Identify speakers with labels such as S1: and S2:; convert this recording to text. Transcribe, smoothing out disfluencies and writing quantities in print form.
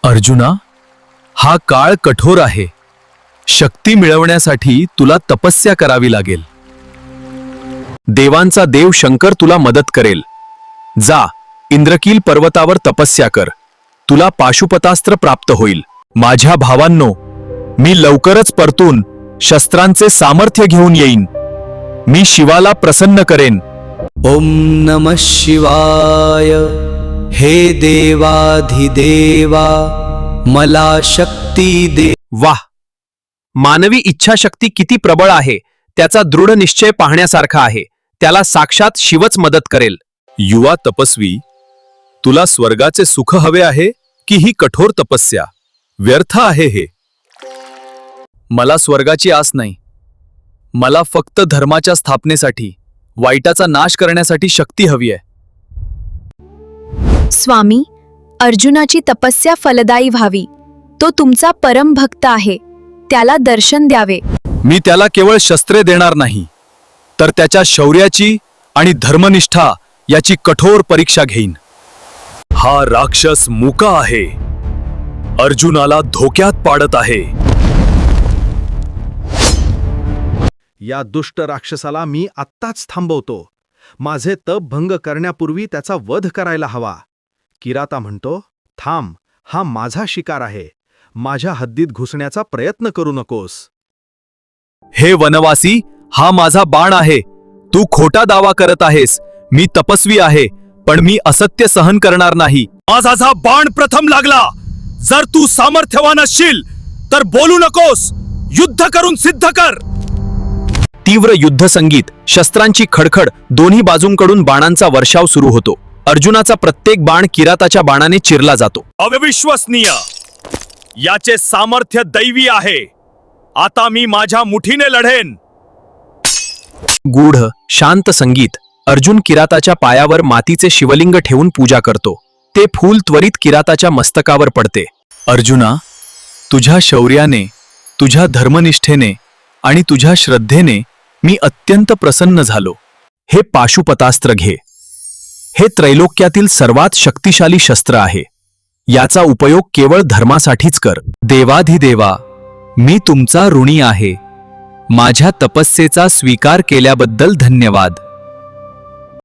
S1: अर्जुना, हा काळ कठोर आहे. शक्ती मिळवण्यासाठी तुला तपस्या करावी लागेल. देवांचा देव शंकर तुला मदत करेल. जा, इंद्रकील पर्वतावर तपस्या कर. तुला पाशुपतास्त्र प्राप्त होईल. माझ्या भावांनो, मी लवकरच परतून शस्त्रांचे सामर्थ्य घेऊन येईन. मी शिवाला प्रसन्न करेन.
S2: ओम नमः शिवाय. हे देवाधिदेवा, मला शक्ती दे.
S1: वाह, मानवी इच्छाशक्ती किती प्रबळ आहे. त्याचा दृढ निश्चय पाहण्यासारखा आहे. त्याला साक्षात शिवच मदत करेल. युवा तपस्वी, तुला स्वर्गाचे सुख हवे आहे की ही कठोर तपस्या? व्यर्थ आहे हे. मला स्वर्गाची आस नाही. मला फक्त धर्माच्या स्थापनेसाठी, वाईटाचा नाश करण्यासाठी शक्ती हवी आहे.
S3: स्वामी, अर्जुनाची तपस्या फलदायी व्हावी. तो तुमचा परम भक्त आहे. त्याला दर्शन द्यावे.
S1: मी त्याला केवळ शस्त्रे देणार नाही, तर त्याच्या शौर्याची आणि धर्मनिष्ठा याची कठोर परीक्षा घेईन. हा राक्षस मुका आहे. अर्जुनाला धोक्यात पाडत आहे.
S4: या दुष्ट राक्षसाला मी आत्ताच थांबवतो. माझे तप भंग करण्यापूर्वी त्याचा वध करायला हवा. किराता म्हणतो, थांब, हा माझा शिकार आहे. माझ्या हद्दीत घुसण्याचा प्रयत्न करू नकोस.
S1: हे वनवासी, हा माझा बाण आहे. तू खोटा दावा करत आहेस. मी तपस्वी आहे, पण मी असत्य सहन करणार नाही. माझा बाण प्रथम लागला. जर तू सामर्थ्यवान असशील तर बोलू नकोस. युद्ध करून सिद्ध कर. तीव्र युद्ध संगीत, शस्त्रांची खडखड, दोन्ही बाजूंकडून बाणांचा वर्षाव सुरू होतो. अर्जुनाचा प्रत्येक बाण किराताच्या बाणाने चिरला जातो. अविश्वसनीय! याचे सामर्थ्य दैवी आहे. आता मी माझ्या मुठीने लढेन. गूढ शांत संगीत. अर्जुन किराताच्या पायावर मातीचे शिवलिंग ठेवून पूजा करतो. ते फूल त्वरित किराताच्या मस्तकावर पडते. अर्जुना, तुझ्या शौर्याने, तुझ्या धर्मनिष्ठेने आणि तुझ्या श्रद्धेने मी अत्यंत प्रसन्न झालो. हे पाशुपतास्त्र घे. हे त्रैलोक्यातील सर्वात शक्तिशाली शस्त्र आहे. याचा उपयोग केवळ धर्मासाठीच कर. देवाधिदेवा, मी तुमचा ऋणी आहे. माझ्या तपस्येचा स्वीकार केल्याबद्दल धन्यवाद.